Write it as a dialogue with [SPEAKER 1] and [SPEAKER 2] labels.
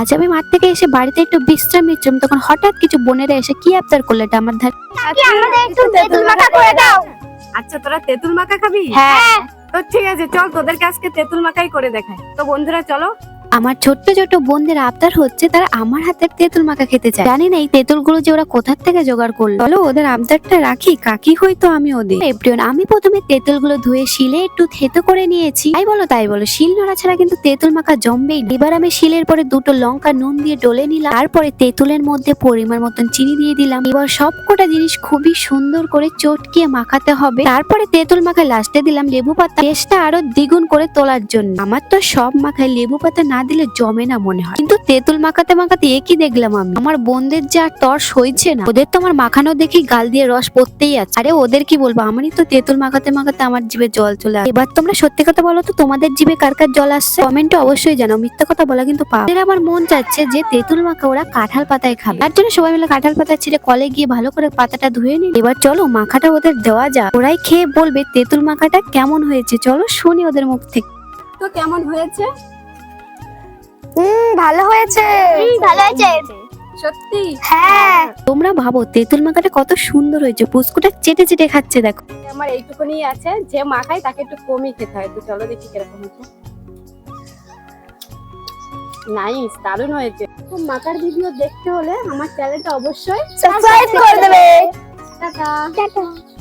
[SPEAKER 1] আজ আমি মাঠ থেকে এসে বাড়িতে একটু বিশ্রাম নিচ্ছিলাম, তখন হঠাৎ কিছু বোনেরা এসে কি আবদার করলো এটা আমার ধারে।
[SPEAKER 2] আমাদের একটু তেঁতুল মাখা করে দাও।
[SPEAKER 3] আচ্ছা, তোরা তেঁতুল মাখা খাবি?
[SPEAKER 2] হ্যাঁ।
[SPEAKER 3] তো ঠিক আছে, চল তোদেরকে আজকে তেঁতুল মাখাই করে দেখাই। তো বন্ধুরা চলো।
[SPEAKER 1] আমার ছোট্ট ছোট্ট বোনদের আবদার হচ্ছে তারা আমার হাতের তেঁতুল মাখা খেতে চায়। জানি না এই তেঁতুলগুলো যে ওরা কোথা থেকে জোগাড় করলো। চলো ওদের আবদারটা রাখি, কাকি হয়তো আমি ওদের। এপ্রিয়ন, আমি প্রথমে তেঁতুলগুলো ধুয়ে শিলে একটু থেতো করে নিয়েছি। তাই বলো শিল নোড়া ছাড়া কিন্তু তেঁতুল মাখা জমবেই না। এবার আমি শিলের পরে দুটো লঙ্কা নুন দিয়ে ডলে নিলাম, তারপরে তেঁতুলের মধ্যে পরিমাণ মতন চিনি দিয়ে দিলাম। এবার সবকটা জিনিস খুবই সুন্দর করে চটকিয়ে মাখাতে হবে। তারপরে তেঁতুল মাখায় লাস্টে দিলাম লেবু পাতা, টেস্টটা আরো দ্বিগুণ করে তোলার জন্য। আমার তো সব মাখায় লেবু পাতা না দিলে জমে না মনে হয়, কিন্তু তেঁতুল মাখাতে মাখাতে একই দেখলাম আমি, আমার বোনদের যে আর তর সইছে না। ওদের তো আমার মাখানো দেখি গাল দিয়ে রস পড়তেই আছে। আরে ওদের কি বলবো, আমারই তো তেঁতুল মাখাতে মাখাতে আমার জিভে জল চলে আসে। এবার তোমরা সত্যি কথা বলো তো, তোমাদের জিভে কার কার জল আসছে কমেন্টে অবশ্যই জানাও। মিথ্যা কথা বলা কিন্তু পাপ। আমার মন চাচ্ছে যে তেঁতুল মাখা ওরা কাঁঠাল পাতায় খাবে, তার জন্য সবাই মিলে কাঁঠাল পাতা ছিঁড়ে কলে গিয়ে ভালো করে পাতাটা ধুয়ে নিই। এবার চলো মাখাটা ওদের দেওয়া যাক, ওরাই খেয়ে বলবে তেঁতুল মাখাটা কেমন হয়েছে। চলো শুনি ওদের মুখ থেকে।
[SPEAKER 3] তো কেমন হয়েছে?
[SPEAKER 2] ভালো হয়েছে। ভালো হয়েছে
[SPEAKER 3] সত্যি?
[SPEAKER 2] হ্যাঁ।
[SPEAKER 1] তোমরা ভাবো তেঁতুল মাখাটা কত সুন্দর হয়েছে, পুস্কুটা চেটে চেটে খাচ্ছে দেখো।
[SPEAKER 3] আমার এইটুকুনি আছে, যে মাখাই তাকে একটু কমই খেতে হয়। তো চলো দেখি কিরকম হয়েছে। নাইস, দারুণ হয়েছে। তো মাখার ভিডিও দেখতে হলে আমার চ্যানেলটা অবশ্যই
[SPEAKER 2] সাবস্ক্রাইব করে দেবে।
[SPEAKER 3] টাটা।
[SPEAKER 2] টাটা।